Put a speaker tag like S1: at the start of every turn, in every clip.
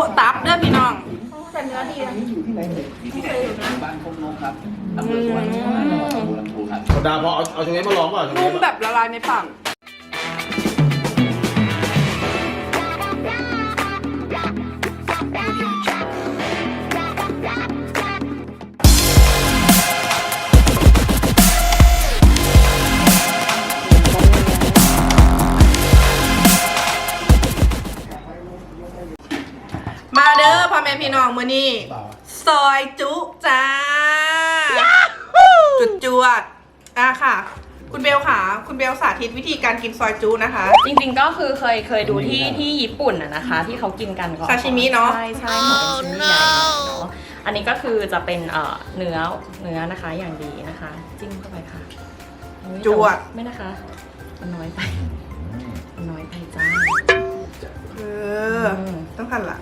S1: ตับเด้อพี่น้อง
S2: แต่เนื้อดีนะ
S3: อยู่ที่ไหนเนี่ยที่บ้านพงนกครับอำเภอสวนจังหวัดหนองบัวลำพูครับโซดาพอเอาตรงนี้มาลองเปล่า
S1: นุ่มแบบละลายในปากมาเด้อพ่อแม่พี่น้องมื้อนี้ซอยจุจ้าจุดจวดค่ะคุณเบลค่ะคุณเบลสาธิตวิธีการกินซอยจุนะคะ
S2: จริงๆก็คือเคยดูที่ญี่ปุ่นนะคะที่เขากินกันก็
S1: ซาชิมิเนาะ
S2: ใช่ของเป็นชิ้นใหญ่เนาะอันนี้ก็คือจะเป็นเนื้อนะคะอย่างดีนะคะจิ้มเข้าไปค่ะ
S1: จวด
S2: ไม่นะคะมันน้อยไปจ้า
S1: ต้องทันละ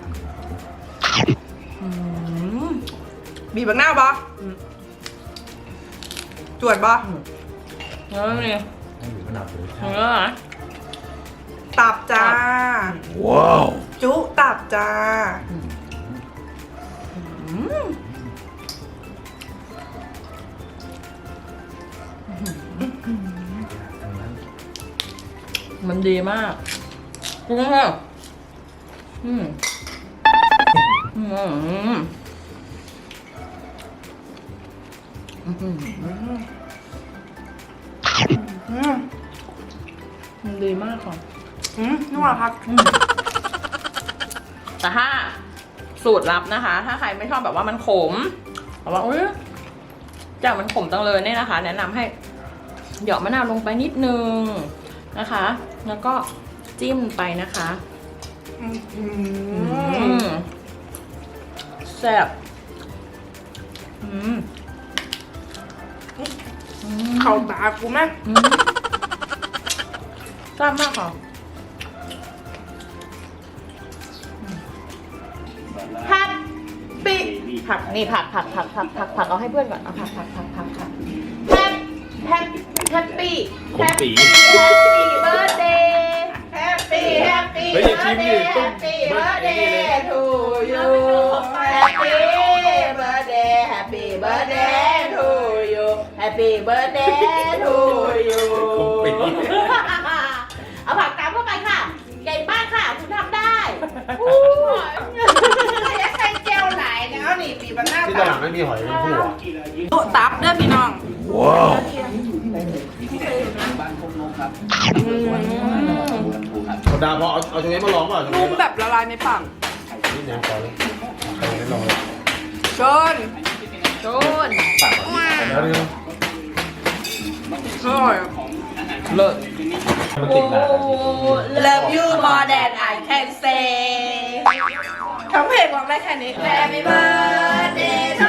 S1: บีบบักหน้าบอจวดบอ
S2: เนื้อนี่เนื้อ
S1: ตับจ้า
S3: ว้าว
S1: จุตับจ้า
S2: มันดีมากจริงค่ะมันดีมากค่ะ
S1: นุ่มอ่ะครับ
S2: แต่ถ้าสูตรลับนะคะถ้าใครไม่ชอบแบบว่ามันขมแบบว่าจากมันขมจังเลยเนี่ยนะคะแนะนำให้เหยาะมะนาวลงไปนิดนึงนะคะแล้วก็จิ้มไปนะคะแซ่บ
S1: เข่าตากูไหม
S2: แซ่บมากค่ะผักปีผักนี่ผักเอาให้เพื่อนก่อนเอาผักแฮปปี้เบิร์ดเดย์แฮปปี้เบิร์ดเดย์ทูยูแฮปปี้เบิร์ดเดย์ทูยูแฮปปี้เบิร์ดเดย์ทูยูเอาผักตามเข้าไปค่ะใหญ่มากค่ะคุณทำได้
S1: ใส่เจลไหลแล้วนี่บีบบักหน้า
S3: ที่ตลาดไม่มีหอยเป็นหัว
S1: ตับเด้อพี่น้อง
S3: ว้าว
S1: บ้านพงนกครับ
S3: โซดาพอเอาตรงนี้มาลองเปล่า
S1: นุ่มแบบละลายในปาก
S3: นี่นะพอแล้วใครไม่ลองเลย
S1: ชน
S3: ตัดแล้วนี่
S1: เลิศ
S3: มันติดหนา
S1: Love you more than I can say ทั้งเพลงร้องได้แค่นี้ Happy birthday to